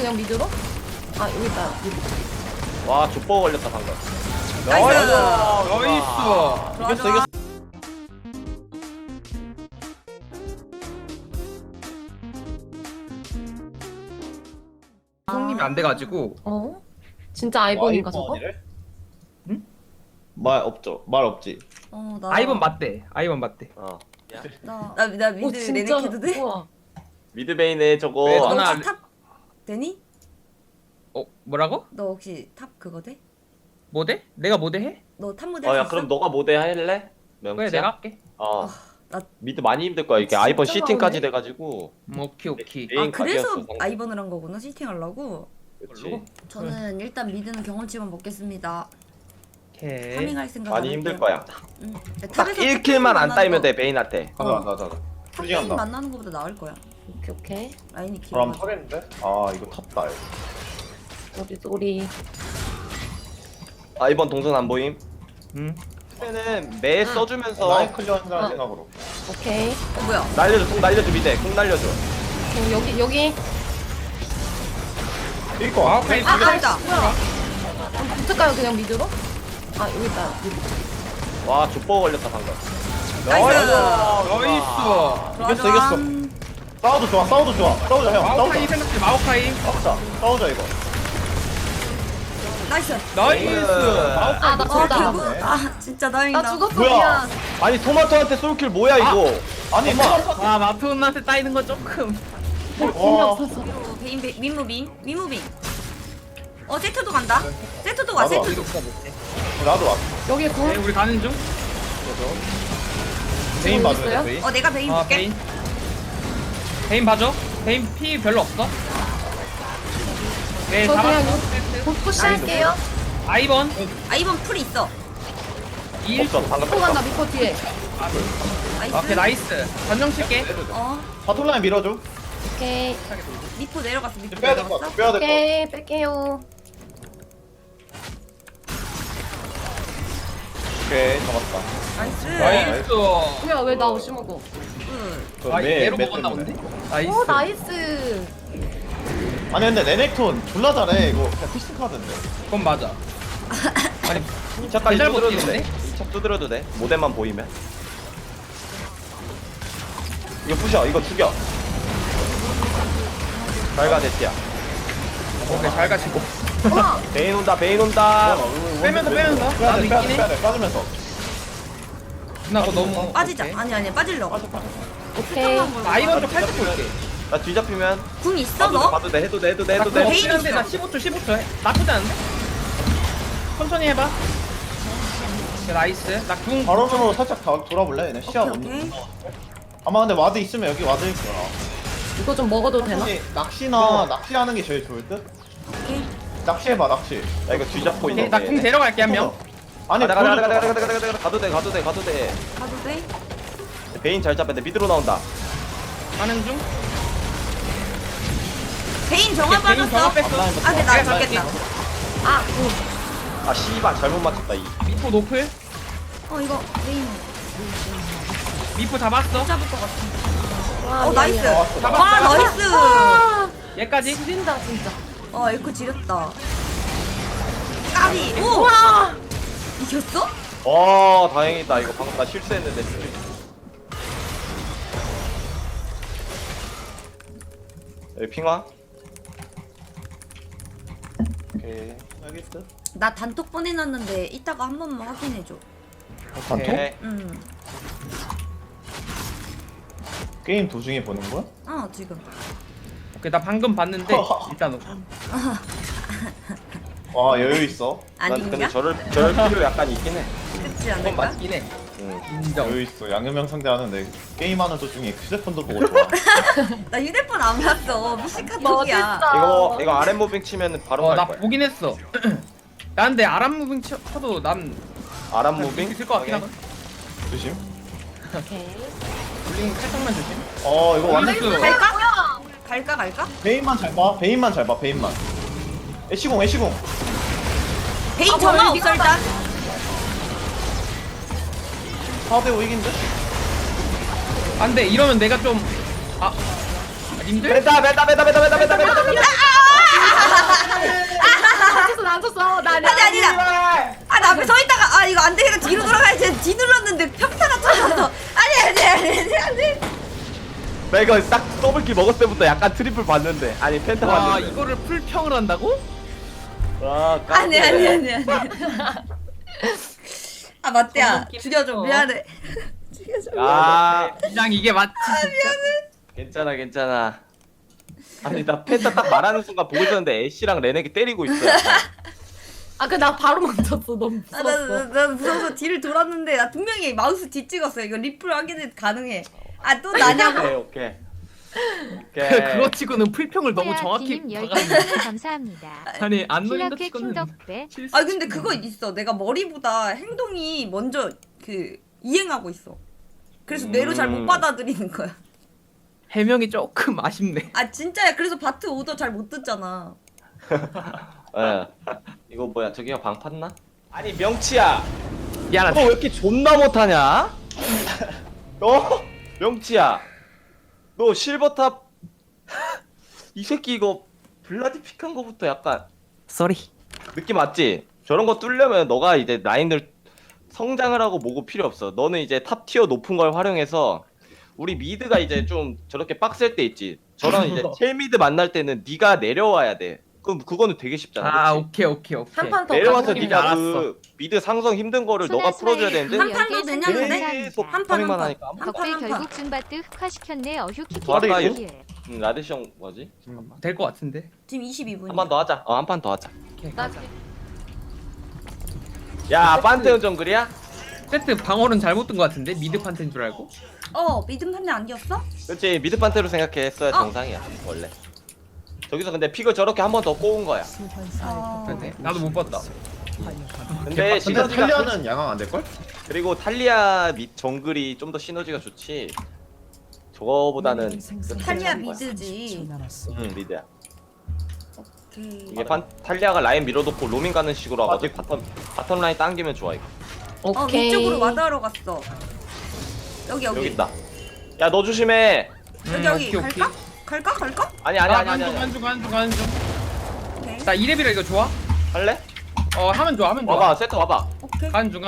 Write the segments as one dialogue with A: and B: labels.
A: 그냥 미드로? 아 여기 있다. 미드.
B: 와 족보 걸렸다 방금.
C: 나이스.
B: 이겼어 이겼어.
C: 성님이 안 돼가지고.
A: 어? 진짜 아이본인가 저거?
B: 말 없죠. 말 없지.
D: 나
C: 아이번 맞대. 아이번 맞대.
B: 어.
D: 나 미드
A: 오 진짜.
D: 레넥 해도 돼?
A: 우와.
B: 미드베인에 저거.
C: 왜
D: 너
C: 전화-
D: 혹시 탑 되니?
C: 뭐라고?
D: 너 혹시 탑 그거 돼?
C: 모대? 내가 모대 해?
D: 너 탑 모델
B: 어야
D: 있어?
B: 그럼 너가 모델 할래? 명치야?
C: 그래 내가 할게.
B: 어.
D: 나
B: 미드 많이 힘들 거야. 이게
A: 진짜
B: 아이번 C팀까지
A: 많네.
B: 돼가지고.
C: 오케이 오케이.
B: 메인
D: 그래서
B: 각이었어, 방금.
D: 아이번을 한 거구나 시팅 하려고.
B: 그렇지.
D: 저는 일단 미드는 경험치만 먹겠습니다.
C: 오케이.
D: 파밍할 생각
B: 많이
D: 안
B: 힘들
D: 할게요.
B: 거야.
D: 응.
B: 딱 1킬만 안 따이면 돼 베인한테.
E: 가자.
D: 탑게임 만나는 것보다 나을 거야.
A: 오케이 오케이.
D: 라인이 길어.
E: 그럼 하겠는데? 아 이거 탑다.
A: 쏘리.
B: 아이번 동선 안 보임?
C: 응.
B: 그때는 매 써주면서
E: 라인 클리어 한다는 생각으로.
A: 오케이.
D: 뭐야?
B: 날려줘. 공 날려줘 미대. 공 날려줘.
A: 여기.
E: 이거
C: 마오카이
D: 아 아니다.
A: 붙을까요 그냥 미드로? 아 여기 있다. 미드.
B: 와 족보 걸렸다 방금.
D: 나이스.
C: 나이스.
E: 이겼어. 싸워도 좋아. 싸우자 형.
C: 마오카이
E: 싸우자.
C: 생각해. 마오카이.
E: 싸우자 이거.
D: 나이스.
C: 나이스.
A: 아 나 죽었다.
D: 결국 진짜 다행이다.
A: 나 죽었어
E: 뭐야?
A: 미안.
B: 아니 토마토한테 솔킬 뭐야 이거?
E: 아니 뭐?
C: 아 마토한테 따이는 거 조금.
E: 와.
D: 그리고 윈무빙. 세트도 간다. 세트도 와.
E: 나도
D: 세트도.
E: 나도 왔어.
A: 여기 공.
C: 네, 우리 가는 중.
E: 베인
A: 있어요?
E: 봐줘야 돼. 베인.
D: 내가 베인
C: 아
D: 볼게.
C: 베인. 베인 봐줘. 베인 피 별로 없어. 네
A: 저 그냥
C: 잡았어.
A: 푸시할게요.
C: 아이번.
D: 이번 풀 있어.
C: 2.
B: 없어 방금
A: 또 간다 미코 뒤에.
D: 나이스.
C: 오케이 나이스. 전정 칠게.
E: 바톨라인 밀어줘.
A: 오케이.
D: 미포 내려갔어. 미포
E: 빼야 될 것
D: 내려갔어.
E: 같아. 빼야 될 것 같아.
A: 오케이 뺄게요.
E: 오케이 잡았다.
D: 나이스.
C: 나이스.
A: 뭐야 왜 나 없이 먹어?
E: 그
C: 아
E: 매-
C: 얘로
E: 매
C: 먹었나
E: 때문에.
C: 본데? 나이스.
A: 오 나이스.
E: 아니 근데 레넥톤 졸라 잘해. 이거 그냥 피스 카드인데.
C: 그건 맞아. 아니
B: 2차까지
C: 잘
B: 두드려도
C: 버티는데?
B: 돼. 2차 두드려도 돼. 모델만 보이면. 이거 부셔. 이거 죽여. 잘가 데티야.
C: 오케이 잘 가시고.
B: 베인 온다. 베인 온다.
C: 빼면서.
E: 빼야
C: 나도
E: 돼.
C: 있긴 해.
E: 빠지면서.
C: 누나 그거 너무.
D: 빠지자.
C: 오케이.
D: 아니 빠지려고.
A: 오케이.
C: 나 아이번 좀 살짝 볼게.
B: 나 뒤잡히면
D: 궁 있어
B: 봐도 돼.
D: 너?
B: 봐도 돼. 해도 돼. 해도 돼.
C: 나
B: 해도
C: 그거
B: 돼.
C: 없긴 한데 나 15초 해. 나쁘지 않은데? 천천히 해봐. 오케이, 나이스. 나궁
E: 바로으로 살짝 돌아볼래? 얘네 시야
D: 오케이.
E: 없는. 아마 근데 와드 있으면 여기 와드 있어.
A: 이거 좀 먹어도 되나?
E: 낚시하는 게 제일 좋을 듯.
D: 오케이.
E: 낚시해봐 낚시.
B: 야 이거 뒤잡고
C: 오케이,
B: 있는데.
C: 나궁 데려갈게 한 명.
E: 아니
B: 가다 가다 가다
E: 보여줘.
B: 가다 가다 가다 가도 돼. 가도 돼. 가도 돼.
D: 가도 돼?
B: 베인 잘 잡았는데 미드로 나온다.
C: 가는 중.
D: 베인 정화
C: 오케이, 베인 정화
D: 빠졌어.
C: 뺐어.
D: 근데 나
C: 내가
D: 죽겠다.
B: 아 씨발 잘못 맞췄다 이.
C: 미포 노플.
D: 이거 베인
C: 미포 잡았어.
D: 잡을 것 같아.
A: 와
D: 나이스.
C: 잡았어.
D: 와 나이스.
A: 아
C: 얘까지.
A: 지린다 진짜.
D: 에코 지렸다. 까비. 오.
A: 와.
D: 이겼어?
B: 와 다행이다. 이거 방금 나 실수했는데. 여기 핑화.
E: 오케이. 알겠어.
D: 나 단톡 보내놨는데 이따가 한 번만 확인해줘.
E: 단톡?
B: 오케이.
E: 게임 도중에 보는 거야?
D: 지금.
C: 오케이 나 방금 봤는데 일단
E: 와 여유 있어.
B: 난 근데
D: 아닌가?
B: 저럴 필요 약간 있긴 해.
D: 그렇지
C: 그건
D: 않을까?
C: 맞긴 해.
B: 응.
C: 인정.
E: 여유 있어. 양념형 상대하는데 게임하는 도중에 휴대폰도 보고 좋아.
D: 나 휴대폰 안 봤어. 미식카톡이야.
A: 멋있어.
B: 이거 아랫 무빙 치면 바로 갈
C: 나
B: 거야.
C: 보긴 했어. 나 근데 아람 무빙 쳐도 난
B: 아랫 무빙
C: 있을 것 같긴 하거든.
E: 조심.
A: 오케이.
C: 블링 살짝만 조심.
E: 이거 완전
C: 나이스.
D: 갈까?
E: 베인만 잘 봐. 베인만. 애쉬공.
D: 베인
A: 뭐야,
D: 정화
A: 여기
D: 없어 일단.
E: 4대5 이긴데?
C: 안돼 이러면 내가 좀 님들?
B: 뺀다.
D: 아,
B: 나 이거 딱 더블킬 먹었을 때부터 약간 트리플 봤는데. 아니 펜타
C: 와
B: 봤는데.
C: 이거를 풀평을 한다고?
B: 와
D: 아니
B: 깜짝이야.
D: 아 맞대야
C: 성공
D: 죽여줘
C: 끼고.
D: 미안해. 죽여줘.
B: 아
C: 그냥 이게 맞지
B: 괜찮아 괜찮아. 아니 나 펜타 딱 말하는 순간 보고 있었는데 애쉬랑 레넥이 때리고 있어.
A: 아, 그 나 바로 멈췄어. 너무
D: 아,
A: 무서웠어.
D: 나 무서워서 뒤를 돌았는데 나 분명히 마우스 뒤 찍었어. 이거 리플 확인은 가능해. 아 또 나냐고.
B: 오케이.
C: 그거 치고는 풀평을 너무 정확히
F: 님
C: 박았네
F: 10개 감사합니다.
C: 아니 안 노린다
F: 킬러캣
C: 치고는
F: 킹덕배
D: 아 근데 그거 있어. 내가 머리보다 행동이 먼저 그 이행하고 있어. 그래서 뇌로 잘 못 받아들이는 거야.
C: 해명이 조금 아쉽네
D: 아 진짜야. 그래서 바트 오더 잘 못 듣잖아.
B: 예. 이거 뭐야 저기가 방 팠나? 아니 명치야.
C: 야
B: 너 왜 이렇게 존나 못하냐? 너 명치야. 너 실버탑 이 새끼 이거 블라디 픽한 거부터 약간
C: 쏘리
B: 느낌 맞지? 저런 거 뚫려면 너가 이제 라인을 성장을 하고 뭐고 필요 없어. 너는 이제 탑 티어 높은 걸 활용해서 우리 미드가 이제 좀 저렇게 빡셀 때 있지. 저런 이제 첼 미드 만날 때는 네가 내려와야 돼. 그럼 그거는 되게 쉽잖아.
C: 아
B: 그치?
C: 오케이
A: 한 판 더
B: 내려와서
A: 가보기로
B: 네가
C: 알았어.
B: 그 미드 상성 힘든 거를 너가 풀어줘야 되는데
D: 한 판도 되냐 근데?
B: 계속
D: 한 판,
B: 파밍만
D: 한
B: 하니까 아무-
D: 한 판,
F: 덕배
D: 한 판.
F: 결국 줌바트 흑화시켰네 어휴
B: 좋았다,
F: 키키
B: 라데시 형 뭐지?
C: 될 것 같은데
D: 지금 22분.
B: 한 판 더 하자. 한 판 더 하자.
C: 오케이
A: 나
C: 가자
B: 야 판테온 정글이야?
C: 세트 방어는 잘못 든 것 같은데 미드 판테인 줄 알고
D: 믿음 판대 아니었어?
B: 그렇지 미드 판테로 생각했어야 정상이야 원래. 저기서 근데 픽을 저렇게 한 번 더 꼬은 거야.
C: 그런데 나도 못 봤다
B: 근데
E: 근데
B: 시너지가
E: 탈리아는 양황 안 될걸?
B: 그리고 탈리아 및 정글이 좀 더 시너지가 좋지. 저거보다는 그
D: 탈리아
B: 괜찮은 거야.
D: 미드지.
B: 응 미드야.
D: 그...
B: 이게 탈리아가 라인 밀어놓고 로밍 가는 식으로 하거든. 바텀 라인 당기면 좋아 이거.
A: 오케이.
D: 위쪽으로 와다하러 갔어. 여기.
B: 여기 있다. 야 너 조심해.
D: 여기
C: 오케이,
D: 갈까? 갈까?
B: 아니 아니.
C: 간중
D: 오케이.
C: 나 2렙이라 이거 좋아?
B: 할래?
C: 하면 좋아
B: 와봐 세트 와봐.
D: 오케이.
C: 간중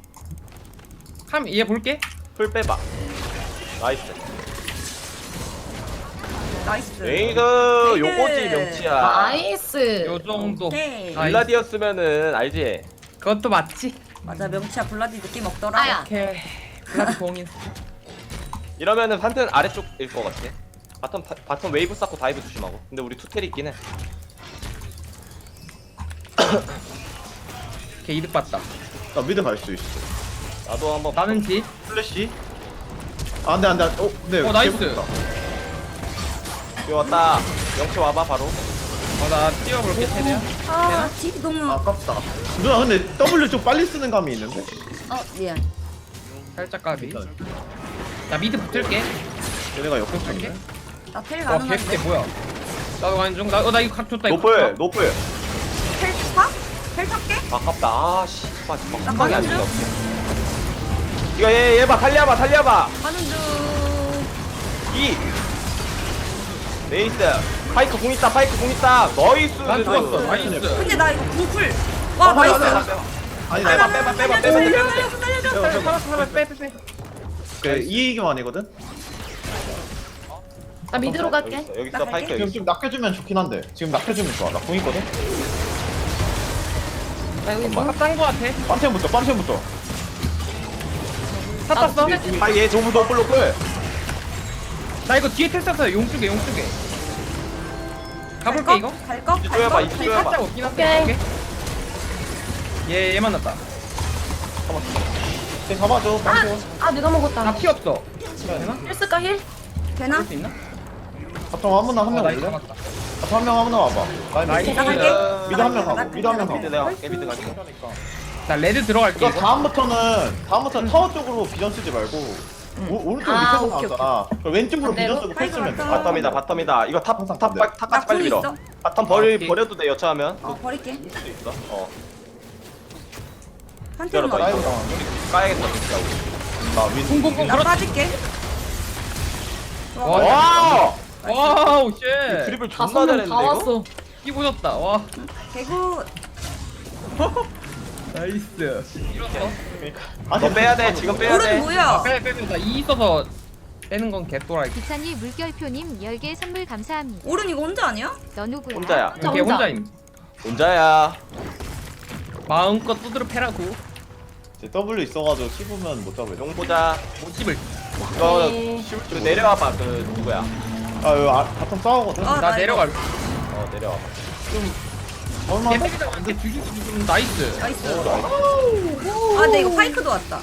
C: 함 얘 볼게
B: 풀 빼봐. 나이스.
D: 나이스.
B: 레이드 요거지 명치야.
A: 나이스.
C: 요 정도
D: 오케이.
C: 나이스.
B: 블라디였으면은 알지?
C: 그것도 맞지
D: 맞아 명치야 블라디 느낌 없더라.
A: 아야.
C: 오케이 블라디 공인
B: 이러면은 판테는 아래쪽일 것 같아. 바텀 웨이브 쌓고 다이브 조심하고. 근데 우리 투텔 있긴 해.
C: 오케이 이득 봤다
E: 나 미드 갈 수 있어.
B: 나도 한번.
C: 나는 지
E: 플래시? 아 안돼 안돼. 근데
C: 나이스.
E: 개붙었다.
B: 여기 왔다. 명치 와봐 바로.
C: 나 뛰어볼게 최대한
D: 아 딜이 너무.
E: 아깝다. 누나 근데 W 좀 빨리 쓰는 감이 있는데?
D: 미안.
C: 살짝 까비 나 미드 붙을게
E: 얘네가 역공성이네.
D: 나텔
C: 와 개새
D: 가능한데.
C: 뭐야 나도 간중 나 이거 각 줬다 이거
B: 노플 노플.
D: 텔 타? 텔 탈게?
B: 아깝다. 아씨.
D: 나
B: 막방이 안
D: 가는
B: 된다. 이거 얘봐 달려봐.
D: 가는 중.
B: 이. 네이스. 파이크 공 있다. 나이스.
C: 난 좋았어 나이스
D: 근데 나 이거 궁풀. 와 나이스.
E: 아니
B: 빼봐
E: 내가
B: 빼봐.
C: 살았어 빼
E: 그 이기만 아니거든?
A: 나 미드로 갈게.
B: 여기 있어
D: 나
B: 파이크
D: 갈게.
B: 여기
E: 지금
B: 있어.
E: 좀 낚여주면 좋긴 한데 지금 낚여주면 좋아. 나 공 있거든?
A: 나 여기
C: 뭐 딴거 같아
E: 빰템부터
C: 샀었어?
B: 얘 저부 노플.
C: 나 이거 뒤에 텔 쐈어 용쪽에 가볼게 이거
D: 갈까?
B: 이쪽에 봐, 이쪽에 봐.
C: 살짝 없긴 한데
A: 오케이.
C: 얘 만났다
E: 쟤 잡아줘. 빰템.
A: 내가 먹었다.
C: 나 피 없어 되나?
A: 힐 쓸까 힐?
D: 되나?
C: 할 수 있나?
E: 바텀 아무나 한 명
C: 나
E: 올래?
C: 이거 잡았다
E: 바텀 한 명 아무나 와봐.
C: 나이스.
D: 나 갈게.
E: 미드 한 명
D: 나
E: 가고 미드 한 명
B: 미드
E: 가고.
B: 내가 미드 갈게.
C: 나 레드 들어갈게
E: 이거 다음부터는 타워 쪽으로 비전 쓰지 말고 오른쪽 밑에서
A: 오케이,
E: 나왔잖아. 그럼 왼쪽으로
A: 반대로?
E: 비전 쓰고 패 쓰면 돼.
B: 바텀이다. 이거
E: 항상
B: 탑까지
D: 나
B: 빨리
D: 궁
B: 밀어.
D: 있어.
B: 바텀
C: 오케이.
B: 버려도 돼 여차하면.
D: 버릴게.
B: 있어.
D: 한테는
B: 열어봐,
D: 어디?
E: 라이브
B: 이거.
E: 당하는데?
B: 까야겠다 진짜. 우리.
E: 나 윈.
C: 쿵쿵쿵
D: 나 빠질게.
B: 와!
C: 와우 쉣
B: 드리블
A: 다섯
B: 존나
A: 명
B: 잘했는데
A: 다
B: 이거?
A: 왔어.
C: 이 보셨다 와
D: 개구.
C: 나이스 이겼어
B: 너 빼야 돼. 지금 빼야
D: 오른
B: 돼.
D: 뭐야?
C: 빼 나이 있어서 빼는 건 개또라이.
F: 기찬이 물결표님 10개 선물 감사합니다.
D: 오른 이거 혼자 아니야?
F: 너 누구야?
B: 혼자야.
C: 이게
A: 혼자.
C: 혼자임.
B: 혼자야.
C: 마음껏 두드려 패라고.
E: 이제 W 있어가지고 씹으면 못 잡을.
B: 용 보자.
C: 못 씹을.
B: 이거
A: 오케이.
B: 그 내려와봐. 그 누구야?
E: 아 여기 바텀 싸우거든.
D: 아,
C: 나
D: 이거-
C: 내려갈.
B: 내려와봐.
E: 얼마?
C: 개패기다 완전 죽이기 좀 나이스.
D: 나이스. 아, 근데 이거 파이크도 왔다.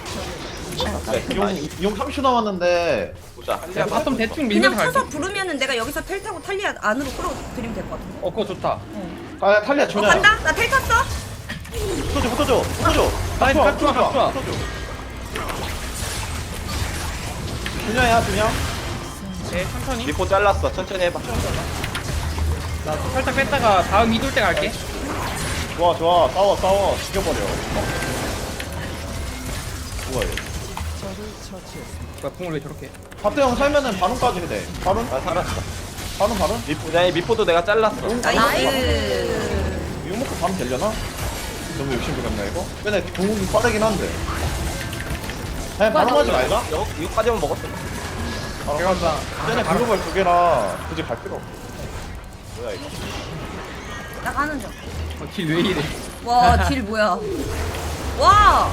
E: 용 30초 남았는데.
B: 보자.
C: 야, 바텀 대충
D: 그냥
C: 밀면서 갈게.
D: 쳐서 부르면은 내가 여기서 텔 타고 탈리아 안으로 끌어들이면 될 것 같은데.
C: 그거 좋다.
E: 아 탈리아 전혀.
D: 간다? 나 텔 탔어?
E: 붙어줘.
C: 아니, 각 좋아.
E: 붙어줘. 준영이야 준영.
C: 네, 천천히.
B: 미포 잘랐어. 천천히 해봐.
C: 나 살짝 뺐다가 다음 이돌 때 갈게.
E: 좋아 싸워 죽여버려. 뭐야 얘.
C: 뭐야, 궁을 왜 저렇게?
E: 바트 형 살면은 바론까지 돼. 바론?
B: 아 살았어.
E: 바론?
B: 미포 아니 미포도 내가 잘랐어.
D: 나이스.
E: 이거 먹고 바론 되려나? 너무 욕심 부렸나 이거? 근데 궁극이 빠르긴 한데. 그냥 바론 하지 말자.
B: 이거까지만 먹었어.
C: 제가 나
E: 쟤네 글로벌 2개라 굳이 갈 필요 없어. 뭐야 이거?
D: 나 가는 중.
C: 길왜 이래?
D: 와, 딜 뭐야? 와!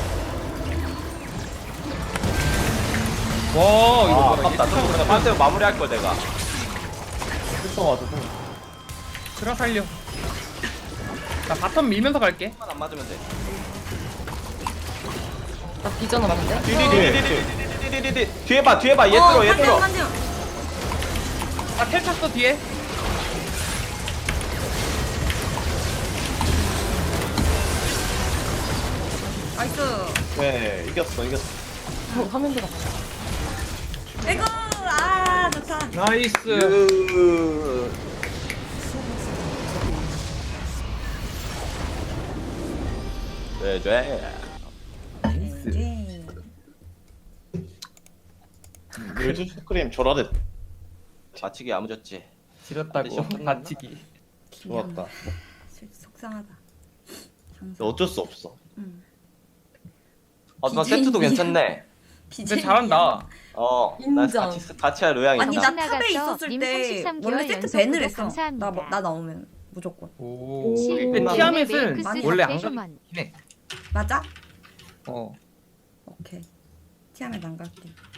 C: 와,
B: 아
C: 이거
B: 아깝다. 좀 그냥 반대로 마무리할 걸 내가.
E: 있어가지고.
C: 들어 살려. 나 바텀 밀면서 갈게.
B: 한번 안 맞으면 돼.
A: 나 비전 없는데?
B: 디디디디디디디디디 뒤에 봐 얘 들어.
D: 한 명.
C: 아, 텔 탔어 뒤에.
D: 나이스.
E: 네 이겼어.
A: 화면 들어가.
D: 에고! 아, 좋다.
C: 나이스.
B: 네.
D: 네.
E: 요즘 스크림 졸아대.
B: 맞히기 야무졌지.
C: 지렸다고. 다치기.
E: 좋았다.
D: 속상하다.
E: 근데 어쩔 수 없어.
B: 나 세트도 괜찮네.
C: 근데 잘한다.
B: 난
A: 인정.
B: 같이 할 의향이
D: 아니,
B: 있다.
D: 나 탑에 있었을
F: 님
D: 때
F: 33
D: 원래
F: 개월
D: 세트
F: 연속
D: 밴을
F: 구독
D: 했어.
F: 감사합니다.
D: 나 나오면 무조건.
C: 오.
A: 오.
C: 근데 티아멧은
F: 메이크스
C: 원래 안
F: 휴먼.
C: 가긴 해.
D: 맞아?
C: 어.
D: 오케이. 티하면 안 갈게.